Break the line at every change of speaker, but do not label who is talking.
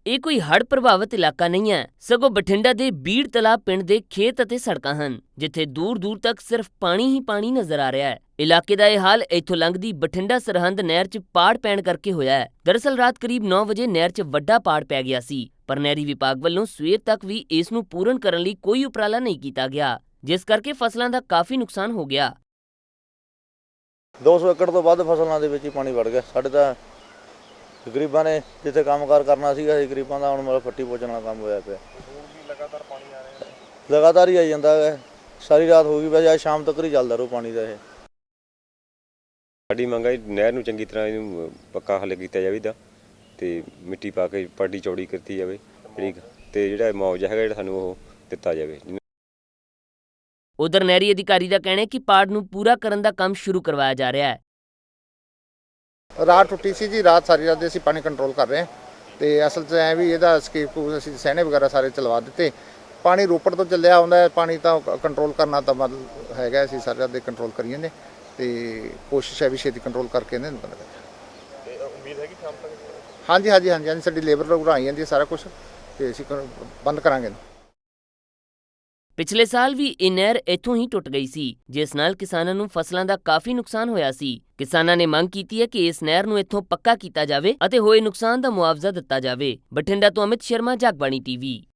ਇਹ ਕੋਈ ਹੜ੍ਹ ਪ੍ਰਭਾਵਿਤ ਇਲਾਕਾ ਨਹੀਂ ਹੈ, ਸਗੋਂ ਬਠਿੰਡਾ ਦੇ ਬੀੜ ਤਲਾਬ ਪਿੰਡ ਦੇ ਖੇਤ ਅਤੇ ਸੜਕਾਂ ਹਨ, ਜਿੱਥੇ ਦੂਰ-ਦੂਰ ਤੱਕ ਸਿਰਫ ਪਾਣੀ ਹੀ ਪਾਣੀ ਨਜ਼ਰ ਆ ਰਿਹਾ ਹੈ। ਇਲਾਕੇ ਦਾ ਇਹ ਹਾਲ ਇੱਥੋਂ ਲੰਘਦੀ ਬਠਿੰਡਾ ਸਰਹੰਦ ਨਹਿਰ 'ਚ ਪਾੜ ਪੈਣ ਕਰਕੇ ਹੋਇਆ ਹੈ। ਦਰਅਸਲ ਰਾਤ ਕਰੀਬ 9 ਵਜੇ ਨਹਿਰ 'ਚ ਵੱਡਾ ਪਾੜ ਪੈ ਗਿਆ ਸੀ, ਪਰ ਨਹਿਰੀ ਵਿਭਾਗ ਵੱਲੋਂ ਸਵੇਰ ਤੱਕ ਵੀ ਇਸ ਨੂੰ ਪੂਰਨ ਕਰਨ ਲਈ ਕੋਈ ਉਪਰਾਲਾ ਨਹੀਂ ਕੀਤਾ ਗਿਆ, ਜਿਸ ਕਰਕੇ ਫਸਲਾਂ ਦਾ ਕਾਫੀ ਨੁਕਸਾਨ ਹੋ ਗਿਆ।
200 ਏਕੜ ਤੋਂ ਵੱਧ ਫਸਲਾਂ ਦੇ ਵਿੱਚ ਹੀ ਪਾਣੀ ਵੜ ਗਿਆ। ਸਾਡੇ ਤਾਂ ਗਰੀਬਾਂ ਨੇ ਜਿੱਥੇ ਕੰਮਕਾਰ ਕਰਨਾ ਸੀਗਾ, ਗਰੀਬਾਂ ਦਾ ਹੁਣ ਮਤਲਬ ਫੱਟੀ ਪੋਚਣ ਵਾਲਾ ਕੰਮ ਹੋਇਆ ਪਿਆ।
ਲਗਾਤਾਰ ਪਾਣੀ ਆ ਰਿਹਾ ਹੈ,
ਲਗਾਤਾਰ ਹੀ ਆਈ ਜਾਂਦਾ ਹੈ। ਸਾਰੀ ਰਾਤ ਹੋ ਗਈ, ਵੈਸੇ ਅੱਜ ਸ਼ਾਮ ਤੱਕ ਹੀ ਚੱਲਦਾ ਰਹੂ ਪਾਣੀ ਦਾ। ਇਹ
ਸਾਡੀ ਮੰਗ ਹੈ ਨਹਿਰ ਨੂੰ ਚੰਗੀ ਤਰ੍ਹਾਂ ਇਹਨੂੰ ਪੱਕਾ ਹੱਲ ਕੀਤਾ ਜਾਵੇਗਾ ਤੇ ਮਿੱਟੀ ਪਾ ਕੇ ਪਾਟੀ ਚੌੜੀ ਕੀਤੀ ਜਾਵੇ, ਠੀਕ, ਤੇ ਜਿਹੜਾ ਮੁਆਵਜ਼ਾ ਹੈਗਾ ਜਿਹੜਾ ਸਾਨੂੰ ਉਹ ਦਿੱਤਾ ਜਾਵੇ।
ਉਧਰ ਨਹਿਰੀ ਅਧਿਕਾਰੀ ਦਾ ਕਹਿਣਾ ਹੈ ਕਿ ਪਾੜ ਨੂੰ ਪੂਰਾ ਕਰਨ ਦਾ ਕੰਮ ਸ਼ੁਰੂ ਕਰਵਾਇਆ ਜਾ ਰਿਹਾ ਹੈ।
ਰਾਤ ਟੁੱਟੀ ਸੀ ਜੀ, ਰਾਤ ਸਾਰੀ ਰਾਤ ਅਸੀਂ ਪਾਣੀ ਕੰਟਰੋਲ ਕਰ ਰਹੇ ਹਾਂ ਤੇ ਅਸਲ 'ਚ ਐ ਵੀ ਇਹਦਾ ਸਕੇਪ ਅਸੀਂ ਸਹਿਣੇ ਵਗੈਰਾ ਸਾਰੇ ਚਲਵਾ ਦਿੱਤੇ। ਪਾਣੀ ਰੋਪੜ ਤੋਂ ਚੱਲਿਆ ਆਉਂਦਾ ਹੈ, ਪਾਣੀ ਤਾਂ ਕੰਟਰੋਲ ਕਰਨਾ ਤਾਂ ਮਤਲਬ ਹੈਗਾ, ਅਸੀਂ ਸਾਰੀ ਰਾਤ ਦੇ ਕੰਟਰੋਲ ਕਰੀਏ ਨੇ ਤੇ ਕੋਸ਼ਿਸ਼ ਹੈ ਵੀ ਛੇਤੀ ਕੰਟਰੋਲ ਕਰਕੇ ਇਹਨੂੰ ਬੰਦ ਕਰੀਏ। ਤੇ ਉਮੀਦ ਹੈ ਕਿ ਸ਼ਾਮ ਤੱਕ ਹਾਂਜੀ ਸਾਡੀ ਲੇਬਰ ਲੋਕ ਆਈ ਜਾਂਦੀ ਹੈ, ਸਾਰਾ ਕੁਝ ਤੇ ਅਸੀਂ ਬੰਦ ਕਰਾਂਗੇ।
ਪਿਛਲੇ ਸਾਲ ਵੀ ਇਹ ਨਹਿਰ ਇੱਥੋਂ ਹੀ ਟੁੱਟ ਗਈ ਸੀ, ਜਿਸ ਨਾਲ ਕਿਸਾਨਾਂ ਨੂੰ ਫਸਲਾਂ ਦਾ ਕਾਫੀ ਨੁਕਸਾਨ ਹੋਇਆ ਸੀ। ਕਿਸਾਨਾਂ ਨੇ ਮੰਗ ਕੀਤੀ ਹੈ ਕਿ ਇਸ ਨਹਿਰ ਨੂੰ ਇੱਥੋਂ ਪੱਕਾ ਕੀਤਾ ਜਾਵੇ ਅਤੇ ਹੋਏ ਨੁਕਸਾਨ ਦਾ ਮੁਆਵਜ਼ਾ ਦਿੱਤਾ ਜਾਵੇ। ਬਠਿੰਡਾ ਤੋਂ ਅਮਿਤ ਸ਼ਰਮਾ, ਜਗਬਾਣੀ ਟੀਵੀ।